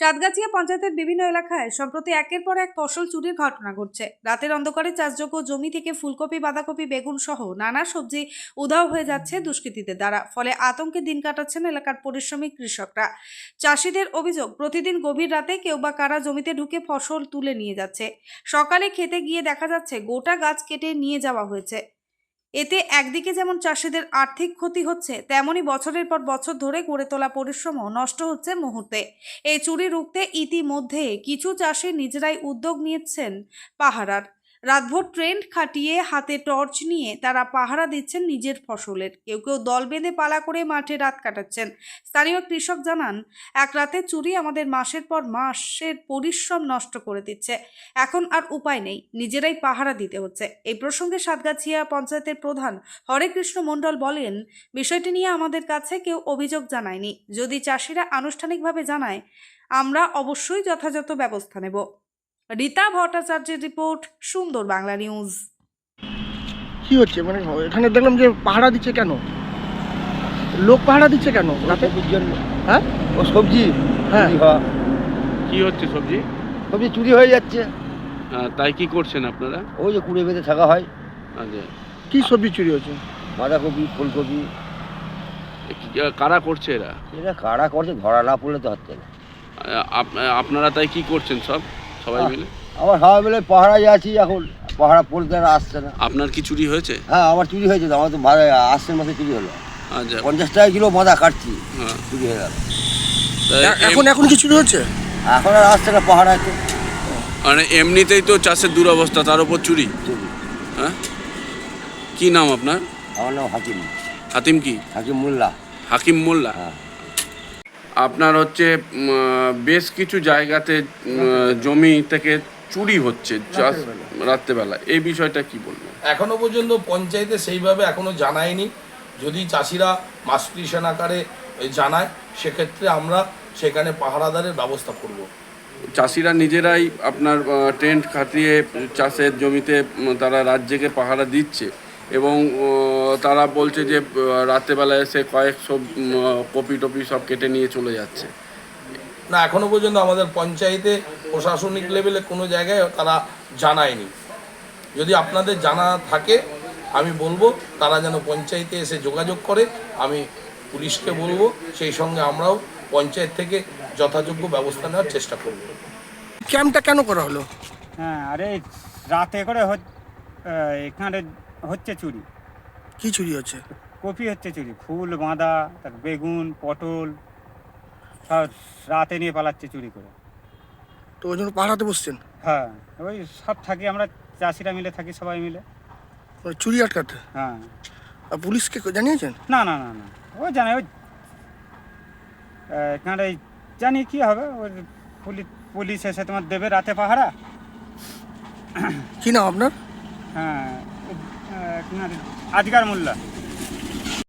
সাতগাছিয়া পঞ্চায়েতের বিভিন্ন এলাকায় সম্প্রতি একের পর এক ফসল চুরির ঘটনা ঘটছে। রাতের অন্ধকারে চাষযোগ্য জমি থেকে ফুলকপি, বাঁধাকপি, বেগুন সহ নানা সবজি উধাও হয়ে যাচ্ছে দুষ্কৃতীদের দ্বারা। ফলে আতঙ্কে দিন কাটাচ্ছেন এলাকার পরিশ্রমী কৃষকরা। চাষিদের অভিযোগ, প্রতিদিন গভীর রাতে কেউ বা কারা জমিতে ঢুকে ফসল তুলে নিয়ে যাচ্ছে। সকালে খেতে গিয়ে দেখা যাচ্ছে গোটা গাছ কেটে নিয়ে যাওয়া হয়েছে। এতে একদিকে যেমন চাষিদের আর্থিক ক্ষতি হচ্ছে, তেমনি বছরের পর বছর ধরে গড়ে তোলা পরিশ্রমও নষ্ট হচ্ছে মুহূর্তে। এই চুরি রুখতে ইতিমধ্যে কিছু চাষি নিজেরাই উদ্যোগ নিয়েছেন পাহারার। রাতভর ট্রেন্ড খাটিয়ে হাতে টর্চ নিয়ে তারা পাহারা দিচ্ছেন নিজের ফসলের। কেউ কেউ দল বেঁধে পালা করে মাঠে রাত কাটাচ্ছেন। স্থানীয় কৃষক জানান, এক রাতে চুরি আমাদের মাসের পর মাসের পরিশ্রম নষ্ট করে দিচ্ছে। এখন আর উপায় নেই, নিজেরাই পাহারা দিতে হচ্ছে। এই প্রসঙ্গে সাতগাছিয়া পঞ্চায়েতের প্রধান হরেকৃষ্ণ মণ্ডল বলেন, বিষয়টি নিয়ে আমাদের কাছে কেউ অভিযোগ জানায়নি। যদি চাষিরা আনুষ্ঠানিকভাবে জানায়, আমরা অবশ্যই যথাযথ ব্যবস্থা নেব। রীতা ভট্টাচার্যের রিপোর্ট, সুন্দর বাংলা নিউজ। কি হচ্ছে মানে এখানে দেখলাম যে পাহারা দিচ্ছে কেন? লোক পাহারা দিচ্ছে কেন রাতে? সবজির জন্য। হ্যাঁ, ও সবজি হ্যাঁ। চুরি হওয়া। কি হচ্ছে সবজি? সবজি চুরি হয়ে যাচ্ছে। তাই কি করছেন আপনারা? ওই যে কুড়ে বেঁধে থাকা হয়। আচ্ছা, কি সবজি চুরি হচ্ছে? বাঁধাকপি, ফুলকপি। কারা করছে এরা? এটা কারা করছে ধরা না পড়লে তো হচ্ছে না। আপনারা তাই কি করছেন সবাই মিলে? আমার সবাই মিলে পাহারায় আছি এখন। পাহারা পড়তে আর আসছে না। আপনার কি চুরি হয়েছে? হ্যাঁ, আমার চুরি হয়েছে তো। আমার তো আসছেন মাসে চুরি হলো। আচ্ছা, 50 টাকা কিলো বাঁধা কাটছি, হ্যাঁ। চুরি হয়ে গেল। এখন কি চুরি হচ্ছে? এখন আর আসছে না পাহারায় তো। মানে এমনিতেই তো চাষের দুরবস্থা, তার উপর চুরি। চুরি। হ্যাঁ, কি নাম আপনার? আমার নাম হাকিম হাকিম মোল্লা। হাকিম মোল্লা। হ্যাঁ। আপনার হচ্ছে বেশ কিছু জায়গাতে জমি থেকে চুরি হচ্ছে রাত্রেবেলা। এই বিষয়টা কি বলবেন? এখনো পর্যন্ত পঞ্চায়েতে সেইভাবে এখনো জানায়নি। যদি চাষিরা মাস পিটিশন আকারে জানায়, সেক্ষেত্রে আমরা সেখানে পাহারাদারের ব্যবস্থা করব। চাষিরা নিজেরাই আপনার টেন্ট খাটিয়ে চাষের জমিতে তারা রাত জেগে পাহারা দিচ্ছে এবং তারা বলছে যে রাত্রেবেলায় এসে কয়েকশো কপি টপি সব কেটে নিয়ে চলে যাচ্ছে। না, এখনো পর্যন্ত আমাদের পঞ্চায়েতে প্রশাসনিক লেভেলে কোনো জায়গায় তারা জানায়নি। যদি আপনাদের জানা থাকে আমি বলবো তারা যেন পঞ্চায়েতে এসে যোগাযোগ করে। আমি পুলিশকে বলবো, সেই সঙ্গে আমরাও পঞ্চায়েত থেকে যথাযোগ্য ব্যবস্থা নেওয়ার চেষ্টা করব। ক্যাম্পটা কেন করা হলো? হ্যাঁ, আরে রাতে করে এখানে হচ্ছে চুরি। কি চুরি হচ্ছে? কপি হচ্ছে চুরি, ফুল বাঁধা, তার বেগুন, পটল সব রাতে নিয়ে পালাচ্ছে চুরি করে। তো ওই জন্য পাহারাতে বসছেন? হ্যাঁ, ওই সব থাকি আমরা চাষিরা মিলে থাকি, সবাই মিলে ওই চুরি আটকাতে। হ্যাঁ। আর পুলিশকে জানিয়েছেন? না না না না, ও জানে, ওই এখানে জানি কি হবে, ওই পুলিশ এসে তোমার দেবে রাতে পাহারা। কি নাম আপনার? হ্যাঁ, আজগার মোল্লা।